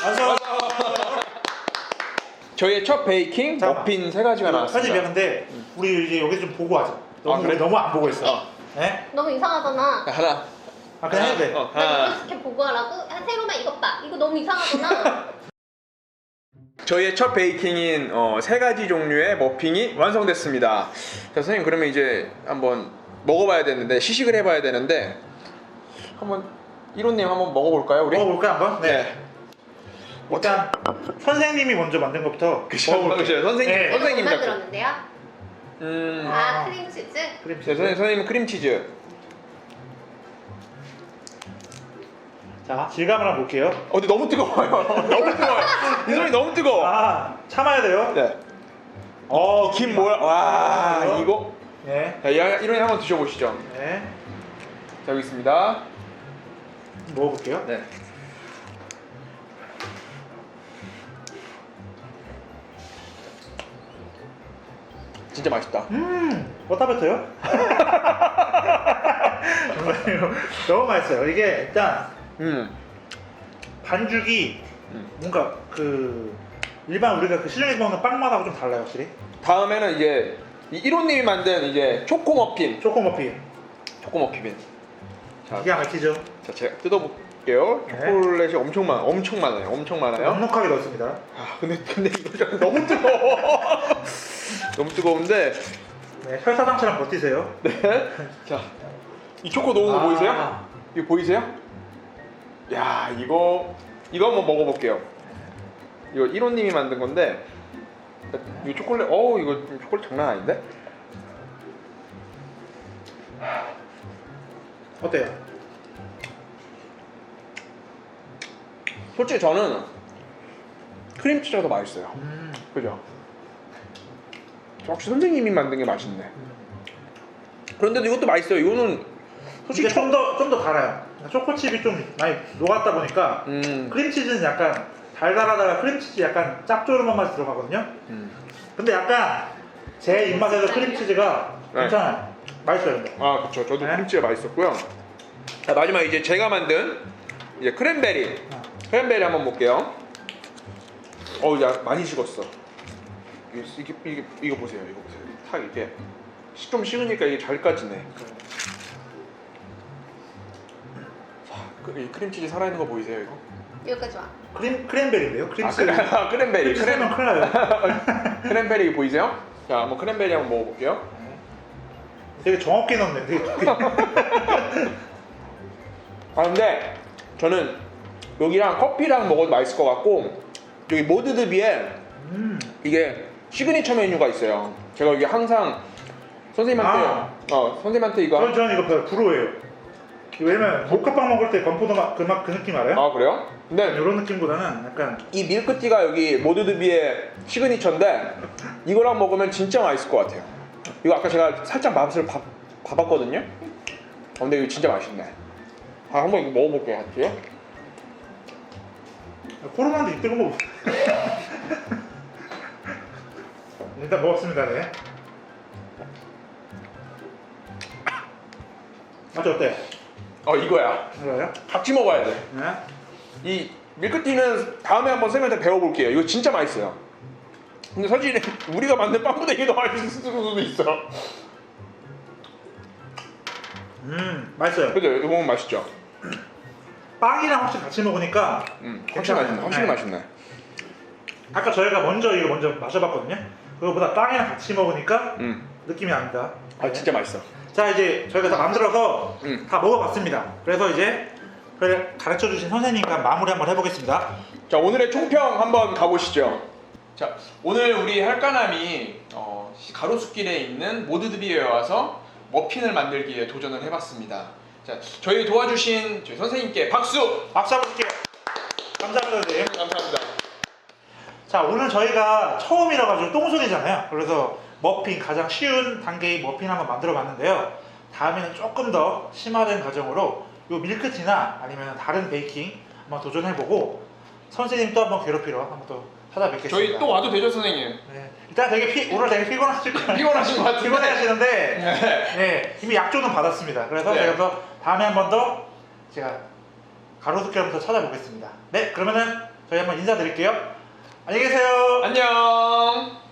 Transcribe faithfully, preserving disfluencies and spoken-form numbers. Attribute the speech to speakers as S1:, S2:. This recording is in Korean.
S1: 완성.
S2: 저희의 첫 베이킹
S1: 잠깐만.
S2: 머핀 세 가지가 나왔습니다.
S1: 사실 미안한데 우리 이제 여기 좀 보고 하자. 너무
S2: 아, 그래?
S1: 우리 너무 안 보고 있어.
S2: 어.
S1: 네?
S3: 너무 이상하잖아.
S2: 하나.
S1: 아 그냥 해도 돼.
S2: 어,
S3: 나
S2: 하나.
S3: 이거 이렇게 보고 하라고? 야, 세로만 이것 봐. 이거 너무 이상하잖아.
S2: 저희의 첫 베이킹인 어, 세 가지 종류의 머핀이 완성됐습니다. 자, 선생님 그러면 이제 한번 먹어봐야 되는데 시식을 해봐야 되는데 한번 일호님 한번 먹어볼까요 우리?
S1: 먹어볼까 한번? 네.
S2: 네.
S1: 일단 선생님이 먼저 만든 것부터
S2: 그쵸,
S1: 먹어볼게요.
S2: 그쵸. 선생님.
S1: 네.
S3: 이거 뭐
S2: 선생님 작품.
S3: 만들었는데요?
S2: 음.
S3: 아, 크림치즈?
S1: 크림
S2: 네, 선생님, 선생님은 크림치즈.
S1: 자 질감을 한번 볼게요.
S2: 어, 근데 너무 뜨거워요. 너무 뜨거워요. 이 손이 너무 뜨거워.
S1: 아 참아야 돼요.
S2: 네. 어, 김 뭐야? 와,
S1: 아,
S2: 이거.
S1: 네.
S2: 자, 이런 한번 드셔보시죠.
S1: 네.
S2: 자, 여기 있습니다.
S1: 먹어볼게요.
S2: 네. 진짜 맛있다.
S1: 음, 어디다 뱉어요? 정말요. 너무 맛있어요. 이게 일단
S2: 음.
S1: 반죽이
S2: 음.
S1: 뭔가 그 일반 우리가 그 시중에서 먹는 빵 맛하고 좀 달라요, 확실히.
S2: 다음에는 이제 이 일호님이 만든 이제 초코 머핀.
S1: 초코 머핀.
S2: 초코 머핀. 자,
S1: 기가 막히죠?
S2: 자, 제가 뜯어볼게요.
S1: 네.
S2: 초콜릿이 엄청 많아, 엄청 많아요, 엄청 많아요.
S1: 넉넉하게 넣었습니다.
S2: 아, 근데 근데 이거 좀 너무 뜨거워. 너무 뜨거운데.
S1: 네, 설사당처럼 버티세요.
S2: 네. 자, 이 초코 녹은 거
S1: 아.
S2: 보이세요? 이거 보이세요? 야, 이거 이거 한번 먹어볼게요. 이거 일호님이 만든 건데, 이 초콜릿, 어우 이거 초콜릿 장난 아닌데?
S1: 어때요?
S2: 솔직히 저는 크림치즈가 더 맛있어요.
S1: 음,
S2: 그죠? 역시 선생님이 만든 게 맛있네. 그런데도 이것도 맛있어요. 이거는 솔직히
S1: 이게 좀 더 좀 더 달아요. 초코칩이 좀 많이 녹았다 보니까
S2: 음,
S1: 크림치즈는 약간 달달하다가 크림치즈 약간 짭조름한 맛이 들어가거든요.
S2: 음.
S1: 근데 약간 제 입맛에서 크림치즈가
S2: 네.
S1: 괜찮아요. 맛있어요, 근데.
S2: 아, 그렇죠. 저도
S1: 네.
S2: 크림치즈가 맛있었고요. 자, 마지막 이제 제가 만든 이제 크랜베리.
S1: 아.
S2: 크랜베리 한번 볼게요. 어우, 야, 많이 식었어. 이게, 이게, 이게 이거 보세요. 이거 보세요. 탁 이게 시- 좀 식으니까 이게 잘 까지네. 자, 그, 이 크림치즈 살아있는 거 보이세요, 이거?
S3: 여기까지 와.
S1: 크림 크랜베리인데요?
S2: 아,
S1: 크림치즈.
S2: 크랜, 아, 크랜베리.
S1: 크림치즈 하면 큰일 나요.
S2: 크랜베리 보이세요? 자, 한번 크랜베리 한번 먹어볼게요.
S1: 되게 정확히 넣네. 되게
S2: 아, 근데 저는 여기랑 커피랑 먹어도 맛있을 것 같고, 여기 모드드비에
S1: 음.
S2: 이게 시그니처 메뉴가 있어요. 제가 여기 항상 선생님한테
S1: 아.
S2: 어 선생님한테 이거
S1: 저는 저는 이거 별로 부러워요. 왜냐면 모카빵 먹을 때 건포도 맛, 그 맛, 그 느낌 알아요?
S2: 아 그래요? 근데
S1: 이런 느낌보다는 약간
S2: 이 밀크티가 여기 모드드비의 시그니처인데 이거랑 먹으면 진짜 맛있을 것 같아요. 이거 아까 제가 살짝 맛을 봐, 봐봤거든요. 어, 근데 이거 진짜 맛있네. 아, 한번 이거 먹어볼게요, 같이.
S1: 코로나인데 이때고 뭐 일단 먹었습니다. 네. 맛이 어때요?
S2: 어, 이거야.
S1: 알아요?
S2: 같이 먹어야 돼.
S1: 네.
S2: 이 밀크티는 다음에 한번 선생님한테 배워볼게요. 이거 진짜 맛있어요. 근데 사실 우리가 만든 빵보다 이게 더 맛있을 수도 있어.
S1: 음 맛있어요.
S2: 그죠? 이거 먹으면 맛있죠?
S1: 빵이랑 혹시 같이 먹으니까
S2: 음, 확실히 맛있네. 확실히
S1: 네.
S2: 맛있네.
S1: 아까 저희가 먼저 이거 먼저 마셔봤거든요. 그거보다 빵이랑 같이 먹으니까
S2: 음,
S1: 느낌이 납니다.
S2: 아 진짜 맛있어.
S1: 자 이제 저희가 다 만들어서
S2: 음.
S1: 다 먹어봤습니다. 그래서 이제 그걸 가르쳐주신 선생님과 마무리 한번 해보겠습니다.
S2: 자, 오늘의 총평 한번 가보시죠. 자, 오늘 우리 할까남이 어, 가로수길에 있는 모드드비에 와서 머핀을 만들기에 도전을 해봤습니다. 자, 저희 도와주신 저희 선생님께 박수!
S1: 박수 한번 줄게요. 감사합니다 선생님.
S2: 감사합니다.
S1: 자 오늘 저희가 처음이라 가지고 똥손이잖아요. 그래서 머핀 가장 쉬운 단계의 머핀 한번 만들어 봤는데요. 다음에는 조금 더 심화된 과정으로 요 밀크티나 아니면 다른 베이킹 한번 도전해보고 선생님 또 한번 괴롭히러 한번 또 찾아뵙겠습니다.
S2: 저희 또 와도 되죠, 선생님?
S1: 네. 일단 되게 피, 오늘 되게 피곤하실 거예요.
S2: 피곤하신 것 같은데.
S1: 피곤해 하시는데
S2: 네.
S1: 네, 이미 약조는 받았습니다. 그래서
S2: 네.
S1: 제가 또 다음에 한 번 더 제가 가로수길부터 찾아보겠습니다. 네, 그러면은 저희 한번 인사드릴게요. 안녕히 계세요.
S2: 안녕.